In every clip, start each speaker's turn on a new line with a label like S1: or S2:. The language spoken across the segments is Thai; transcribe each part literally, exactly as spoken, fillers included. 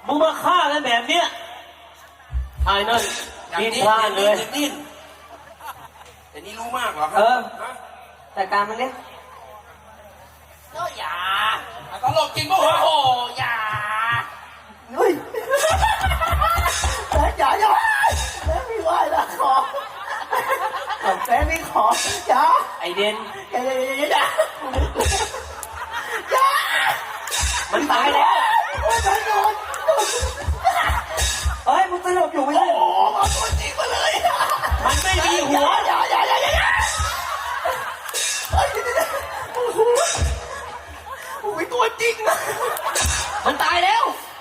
S1: มึงมาฆ่ากันแบบเนี้ยไอ้นั่นดิ้นพลาดเลย
S2: ดิ้นแต่นี่รู้มากเหรอครั
S3: เออแต่การมันเนี่ย
S2: ก็อย่าตลกจริงป่ะโอ้อย่า
S3: เฮ้ยแต่อย่าอย่าแม่ไม่ไหวละขอแม่ไม่ขออย่า
S1: ไอเด่น
S3: อย่าอย่าอย่าอย่าอย่า
S1: มันตายแล้ว
S3: โอ้ยโดนเฮ้ยมึงสลบอยู่ไม่ใช่โอ้มาตัวจริงมาเลย
S1: มันไม่มีหัว
S3: อย่าอย่าอย่าอย่าอย่าเฮ้ยโอ้โหโอ้ยตัวจริงนะ
S1: มันตายแล้ว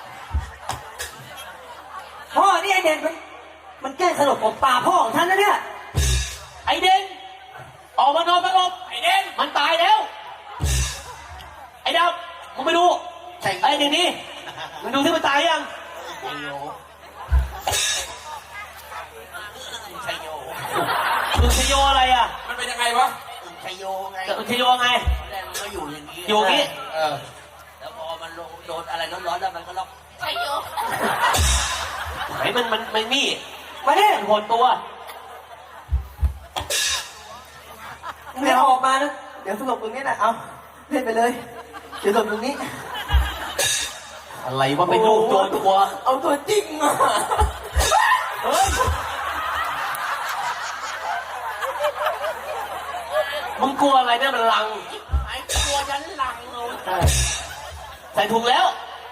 S3: พ่อนี่ไอเด่นมันมันแกล้งสลบผมป่าพ่อของท่านนะเนี่ย
S1: ไอเด่นออกมานอนสงบไอเด่นมันตายแล้วไอ้ดาวมึงไปดูไอ้เด็กนี่มึงดูที่มันตายยัง
S2: ชัยโย
S1: มึงชโยอะไรอ่ะ
S2: มันเป็นยังไงวะชัยโยไง
S1: มึงชโยไง
S2: แรกมันก็อยู่อย่างนี้
S1: อยู่นี้
S2: เออแล้วพอมันโดนอะไรร้อนๆแล้วมันก็ร้องชัยโย
S1: ไอ้มันมันมันนี่
S3: มาดิ
S1: มันหดตัว
S3: เดี๋ยวออกมานะเดี๋ยวสลบตรงนี้นะเอาเล่นไปเลยเดี๋ยวสลบตรงนี้
S1: อะไรว่าเป็นลูกโจรตัว
S3: เอาตัวจริงอ่ะ
S1: เฮ้ยมึงกลัวอะไรเนี่ยมันลัง
S2: ไอ้ตัวยันหลังเอา
S1: ใส่ถุงแล้ว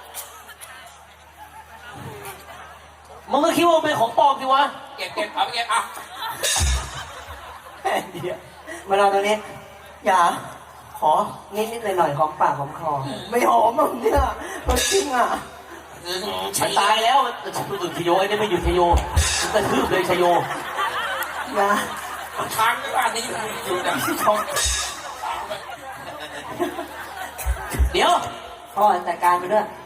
S1: มึงก็คิดว่าเป็นของปลอมสิวะ
S2: เก็บเก็บเอาเก็บเอา
S3: แค่เดียวมาเราตรงนี้อย่าขอนิดนิดหน่อยหน่อยของปากของคอไม่หอมมึงเนี่ยตัวจริงอ่ะ
S1: มันตายแล้วมันอื่นชโยไอ้นี่ไม่อยู่ชโยมันกระทืบเลยชโย
S3: อย่า
S2: ค้างที่บ้านนี้อยู่นะ
S3: ชม
S1: เดี๋ยว
S3: พ่อจัดการไปด้วย